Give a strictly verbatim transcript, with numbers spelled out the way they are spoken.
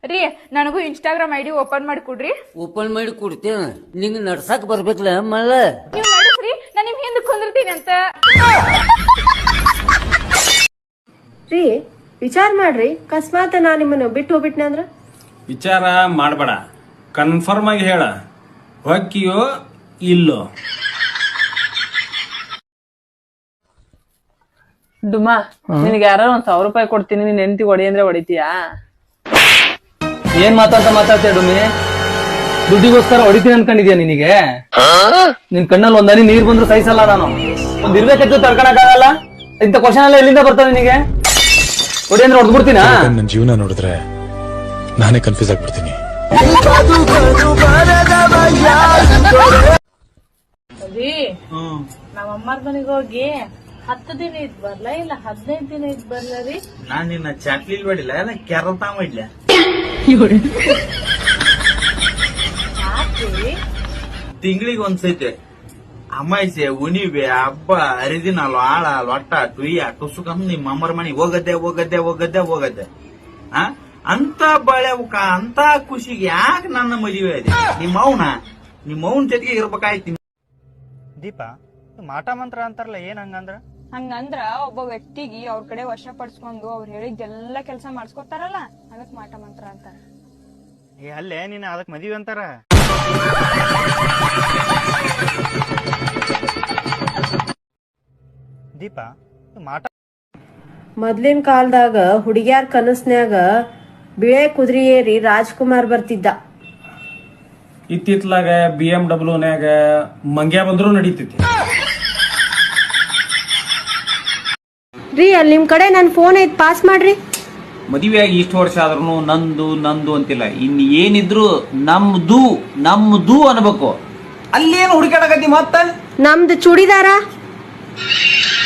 ರೀ ನನಗೂ Instagram ID open ಮಾಡಿ ಕೊಡ್ರಿ. ಓಪನ್ ಮಾಡಿ ಕೊಡ್ತೇವ, ನಿಂಗೆ ನಡ್ಸಾಕ್ ಬರ್ಬೇಕಲ್ಲ ಮಲ್ಲ. ನೀವು ನಡೆಸ್ರಿ, ನಾನು ನಿಮ್ ಹಿಂದೆ ಕುಂದಿರ್ತೀನಿ ಅಂತ. ರೀ ವಿಚಾರ ಮಾಡ್ರಿ, ಅಕಸ್ಮಾತ್ ನಾ ನಿಮ್ಮನ್ನು ಬಿಟ್ಟು ಹೋಗ್ಬಿಟ್ನೆ ಅಂದ್ರ? ವಿಚಾರ ಮಾಡಬೇಡ, ಕನ್ಫರ್ಮ್ ಆಗಿ ಹೇಳ, ಹೊಕ್ಕಿಯೋ ಇಲ್ಲೋ. ಡುಮಾ, ನಿನಗೆ ಯಾರು ಒಂದ್ ಸಾವಿರ ರೂಪಾಯಿ ಕೊಡ್ತೀನಿ, ನೀನ್ ಹೆಂಡತಿ ಹೊಡಿ ಅಂದ್ರೆ ಹೊಡಿತೀಯಾ? ಏನ್ ಮಾತಾಡ್ತಾ ಮಾತಾಡ್ತೀಯ ಡುಮ್ಮಿ? ದುಡ್ಡಿಗೋಸ್ಕರ ಹೊಡಿತೀನಿ ಅನ್ಕೊಂಡಿದ್ಯಾ ನಿನಗೆ? ನಿನ್ ಕಣ್ಣಲ್ಲಿ ಒಂದನಿ ನೀರ್ ಬಂದ್ರು ಸಹಿಸಲ್ಲ ನಾನು. ಒಂದ್ ಇರ್ಬೇಕಿತ್ತು ತಡ್ಕೊಳಕ್ಕಾಗಲ್ಲ. ಇಂಥ ಕ್ವಶನ್ ಎಲ್ಲ ಎಲ್ಲಿಂದ ಬರ್ತಾವ ನಿನಗೆ? ಹೊಡಿ ಅಂದ್ರೆ ಹೊಡ್ಬಿಡ್ತೀನ? ನನ್ನ ಜೀವನ ನೋಡಿದ್ರೆ ನಾನೇ ಕನ್ಫ್ಯೂಸ್ ಆಗ್ಬಿಡ್ತೀನಿ. ನಮ್ಮ ಅಮ್ಮರ ಮನೆಗೆ ಹೋಗಿ ಹತ್ತು ದಿನ ಇದ್ ಬರ್ಲ ಇಲ್ಲ ಹದಿನೈದು ದಿನ ಇದ್ ಬರ್ಲ ರೀ? ನಾನ್ ನಿನ್ನ ಚಾಕ್ಲಿಲ್ ಬಡಿಲ್ಲ, ಎಲ್ಲ ಕ್ಯಾರಲ್ ತಾವ ಇಡ್ಲ. ತಿಂಗಳಿಗೆ ಒಂದ್ಸೈತೆ ಅಮಾಯ್ಸೆ, ಉಣಿವೆ, ಹಬ್ಬ, ಹರಿದಿನ, ಆಳ, ಲೊಟ್ಟ, ಟುಯ್ಯ, ಟುಸುಕಂದ್ ನಿಮ್ಮ ಅಮ್ಮರ ಮನೆಗೆ ಹೋಗದ್ದೆ ಹೋಗದ್ದೆ ಹೋಗದ್ದೆ ಹೋಗದ್ದೆ ಆ ಅಂತ ಬಳೆವುಕ ಅಂತ ಖುಷಿಗೆ ಯಾಕೆ ನನ್ನ ಮದುವೆ ಇದೆ? ನಿಮ್ಮ ಮೌನ ನಿಮ್ಮ ಮೌನ್ ಜೊತೆಗೆ ಇರ್ಬೇಕಾಯ್ತು. ದೀಪ, ಮಾಟ ಮಂತ್ರ ಅಂತಾರಲ್ಲ, ಏನ್ ಹಂಗಂದ್ರ? ಹಂಗಂದ್ರ ಒಬ್ಬ ವ್ಯಕ್ತಿಗೆ ಅವ್ರ ಕಡೆ ವಶ ಪಡಿಸ್ಕೊಂಡು ಅವ್ರು ಹೇಳಿದ್ದೆಲ್ಲ ಕೆಲಸ ಮಾಡಿಸ್ಕೊತಾರಲ್ಲ, ಅದಕ್ ಮಾಟ ಮಂತ್ರ ಅಂತಾರ. ಏ ಅಲ್ಲೇ ನೀನ್ ಅದಕ್ ಮದ್ವಿ ಅಂತಾರ. ದೀಪ, ಮಾಟ ಮೊದ್ಲಿನ ಕಾಲದಾಗ ಹುಡುಗ್ಯಾರ ಕನಸ್ನ್ಯಾಗ ಬಿಳೆ ಕುದುರೆ ಏರಿ ರಾಜ್ಕುಮಾರ್ ಬರ್ತಿದ್ದ. ಇತ್ತಿತ್ಲಾಗ ಬಿ ಎಂ ಡಬ್ಲ್ಯೂನ್ಯಾಗ ಮಂಗ್ಯ ಬಂದ್ರು ನಡೀತೈತಿ. ರೀ ಅಲ್ಲಿ ನಿಮ್ ಕಡೆ ನನ್ ಫೋನ್ ಐತ್, ಪಾಸ್ ಮಾಡ್ರಿ. ಮದುವೆಯಾಗಿ ಇಷ್ಟು ವರ್ಷ ಆದ್ರೂ ನಂದು ನಂದು ಅಂತಿಲ್ಲ, ಇನ್ ಏನಿದ್ರು ನಮ್ದು ನಮ್ದು ಅನ್ಬೇಕು. ಅಲ್ಲೇನು ಹುಡುಕಾಡಕತ್ತಿ ಮತ್ತ? ನಮ್ದು ಚೂಡಿದಾರ